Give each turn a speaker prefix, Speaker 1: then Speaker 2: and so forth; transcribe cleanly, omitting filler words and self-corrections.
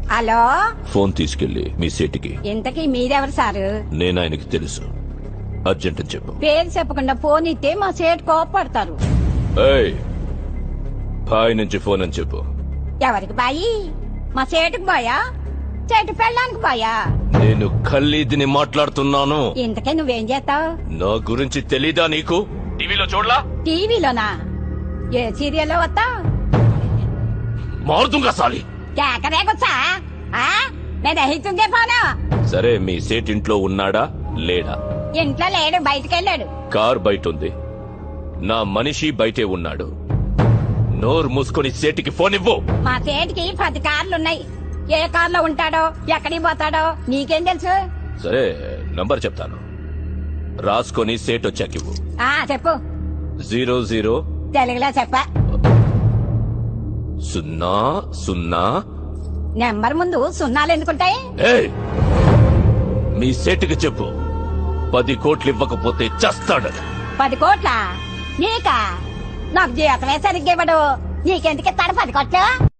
Speaker 1: Hello,
Speaker 2: phone తీసుకెళ్లి మీ సీటుకి.
Speaker 1: ఇంతకీ మీరెవరు సారు?
Speaker 2: నేను ఆయనకి తెలుసు. అర్జెంట్ అని చెప్పు.
Speaker 1: పేరు చెప్పకుండా ఫోన్ ఇస్తే మా సేటు కోపడతారు.
Speaker 2: ఏయ్, బాయ్ నుంచి ఫోన్ అని చెప్పు.
Speaker 1: ఎవరికి బాయి? మా సేటుకు బాయా, చెట్టు పెళ్ళానికి బాయా?
Speaker 2: నేను ఖల్లీదిని మాట్లాడుతున్నాను.
Speaker 1: ఇంతకే నువ్వేం చేస్తావు?
Speaker 2: నా గురించి తెలీదా నీకు? టీవీలో చూడలా?
Speaker 1: టీవీలోనా? ఏ సీరియల్లో వస్తావు?
Speaker 2: మారుతుంగా సాలి.
Speaker 1: కేకరేకొచ్చా? నేను దహిస్తుందే ఫోను.
Speaker 2: సరే, మీ సేట్ ఇంట్లో ఉన్నాడా లేడా?
Speaker 1: ఇంట్లో లేడు, బయటకెళ్ళాడు.
Speaker 2: కార్ బయట ఉంది. నా మనిషి బయటే ఉన్నాడు. నోరు మూసుకొని సేటికి ఫోన్ ఇవ్వు.
Speaker 1: మా సేటికి 10 కార్లున్నాయి. ఏ కార్లో ఉంటాడో, ఎక్కడికి పోతాడో నీకేం తెలుసు?
Speaker 2: సరే, నంబర్ చెప్తాను, రాసుకొని సేట్ వచ్చాకివ్వు.
Speaker 1: చెప్పు.
Speaker 2: 00
Speaker 1: తెలుగులో చెప్ప.
Speaker 2: 00.
Speaker 1: నెంబర్ ముందు సున్నాలు ఎందుకుంటాయి?
Speaker 2: ఏయ్, మీ సేటుకి చెప్పు, 10 కోట్లు ఇవ్వకపోతే చస్తాడు.
Speaker 1: 10 కోట్ల? నీకా? నాకు జీవితమే సరిగ్గా ఇవ్వడు. నీకెందుకు ఇస్తాడు 10 కోట్లు?